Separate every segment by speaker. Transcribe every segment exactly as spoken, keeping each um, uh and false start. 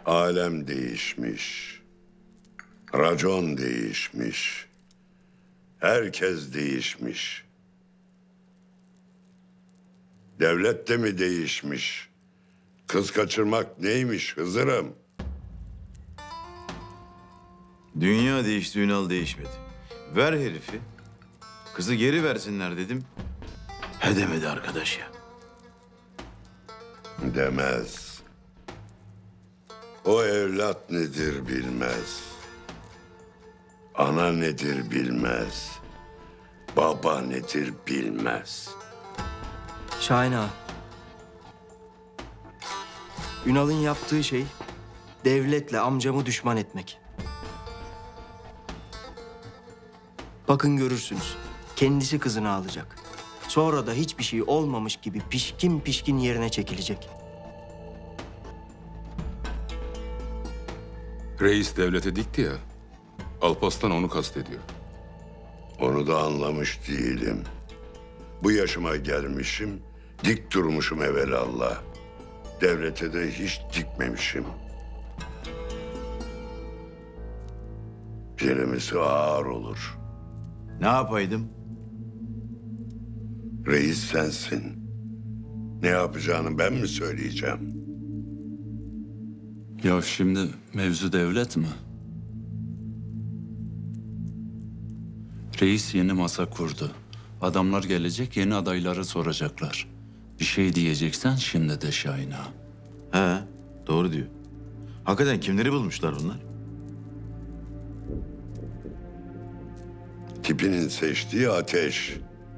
Speaker 1: Alem değişmiş. Racon değişmiş. Herkes değişmiş. Devlet de mi değişmiş? Kız kaçırmak neymiş Hızır'ım?
Speaker 2: Dünya değişti, Ünal değişmedi. Ver herifi. Kızı geri versinler dedim. He demedi arkadaş ya.
Speaker 1: Demez. O evlat nedir bilmez. Ana nedir bilmez. Baba nedir bilmez.
Speaker 3: Şahin ağa. Ünal'ın yaptığı şey devletle amcamı düşman etmek. Bakın görürsünüz. Kendisi kızını alacak. Sonra da hiçbir şey olmamış gibi pişkin pişkin yerine çekilecek.
Speaker 4: Reis devlete dikti ya. Alparslan onu kastediyor.
Speaker 1: Onu da anlamış değilim. Bu yaşıma gelmişim, dik durmuşum evelallah. Devlete de hiç dikmemişim. Celemisi ağır olur.
Speaker 2: Ne yapaydım?
Speaker 1: Reis sensin. Ne yapacağını ben mi söyleyeceğim?
Speaker 5: Ya şimdi mevzu devlet mi? Reis yeni masa kurdu. Adamlar gelecek, yeni adayları soracaklar. Bir şey diyeceksen şimdi de Şahin ağa.
Speaker 2: He, doğru diyor. Hakikaten kimleri bulmuşlar bunlar?
Speaker 1: Tipinin seçtiği ateş.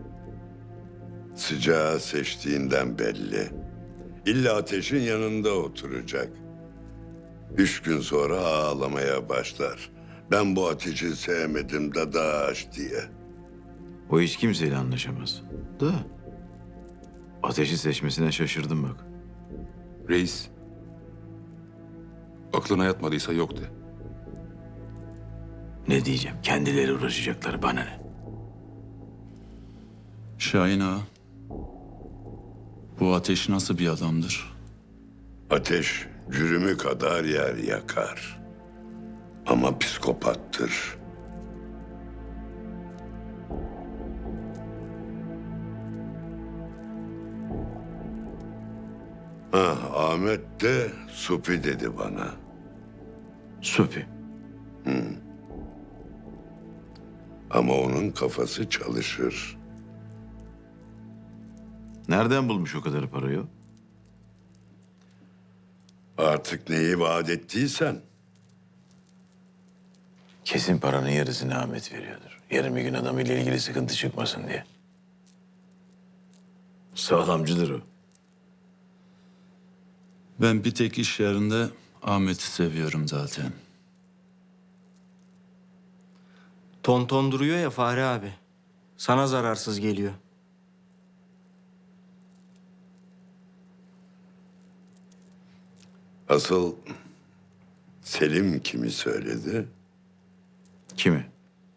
Speaker 1: Sıcağı seçtiğinden belli. İlla ateşin yanında oturacak. Üç gün sonra ağlamaya başlar. Ben bu ateşi sevmedim dadaş diye.
Speaker 2: O hiç kimseyle anlaşamaz. Da ateşi seçmesine şaşırdım bak.
Speaker 4: Reis, aklına yatmadıysa yok de.
Speaker 2: Ne diyeceğim? Kendileri uğraşacaklar, bana ne?
Speaker 5: Şahin ağa, bu ateş nasıl bir adamdır?
Speaker 1: Ateş cürümü kadar yer yakar. Ama psikopattır. Ha, Ahmet de Supi dedi bana.
Speaker 2: Supi.
Speaker 1: Ama onun kafası çalışır.
Speaker 2: Nereden bulmuş o kadar parayı o?
Speaker 1: Artık neyi vaat ettiysen.
Speaker 2: Kesin paranın yarısını Ahmet veriyordur. Yarın bir gün adamıyla ilgili sıkıntı çıkmasın diye. Sağlamcıdır o.
Speaker 5: Ben bir tek iş yerinde Ahmet'i seviyorum zaten.
Speaker 3: Ton ton duruyor ya Fahri abi. Sana zararsız geliyor.
Speaker 1: Asıl Selim kimi söyledi?
Speaker 2: Kimi?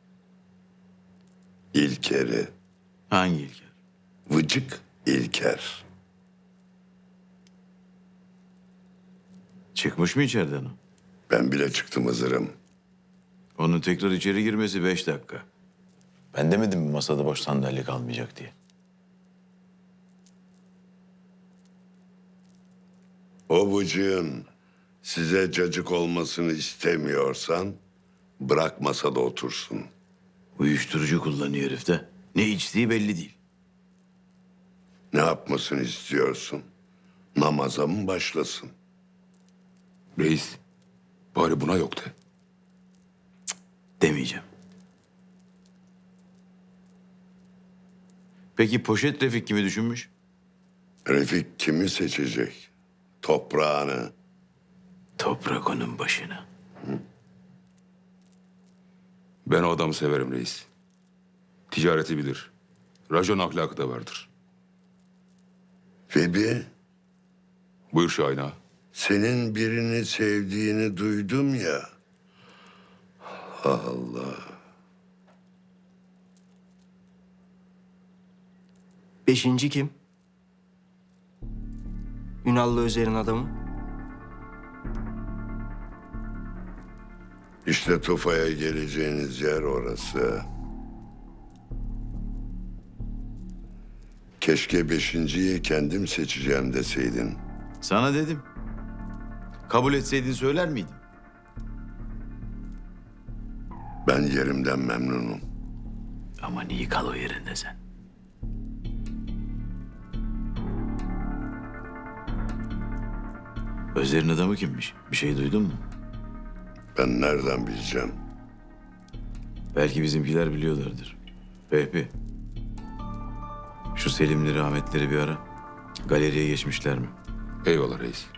Speaker 1: İlker'i.
Speaker 2: Hangi İlker?
Speaker 1: Vıcık İlker.
Speaker 2: Çıkmış mı içeriden o?
Speaker 1: Ben bile çıktım Hızır'ım.
Speaker 2: Onun tekrar içeri girmesi beş dakika. Ben demedim mi masada boş sandalye kalmayacak diye.
Speaker 1: O vıcığın size cacık olmasını istemiyorsan bırak masada otursun.
Speaker 2: Uyuşturucu kullanıyor herif de. Ne içtiği belli değil.
Speaker 1: Ne yapmasını istiyorsun? Namaza mı başlasın?
Speaker 4: Reis, bari buna yok de.
Speaker 2: Demeyeceğim. Peki poşet Refik kimi düşünmüş?
Speaker 1: Refik kimi seçecek? Toprağını.
Speaker 2: Toprak onun başına.
Speaker 4: Ben o adamı severim reis. Ticareti bilir. Racon ahlakı da vardır.
Speaker 1: Febi,
Speaker 4: Buyur Şahin ağa.
Speaker 1: senin birini sevdiğini duydum ya. Allah.
Speaker 3: Beşinci kim? Ünal'la Özer'in adamı.
Speaker 1: İşte Tufa'ya geleceğiniz yer orası. Keşke beşinciyi kendim seçeceğim deseydin.
Speaker 2: Sana dedim. Kabul etseydin söyler miydin?
Speaker 1: Ben yerimden memnunum.
Speaker 2: Aman iyi kal o yerinde sen. Özer'in adamı kimmiş? Bir şey duydun mu?
Speaker 1: Ben nereden bileceğim?
Speaker 2: Belki bizimkiler biliyorlardır. Vehbi. Şu Selimleri, Ahmetleri bir ara. Galeriye geçmişler mi?
Speaker 4: Eyvallah reis.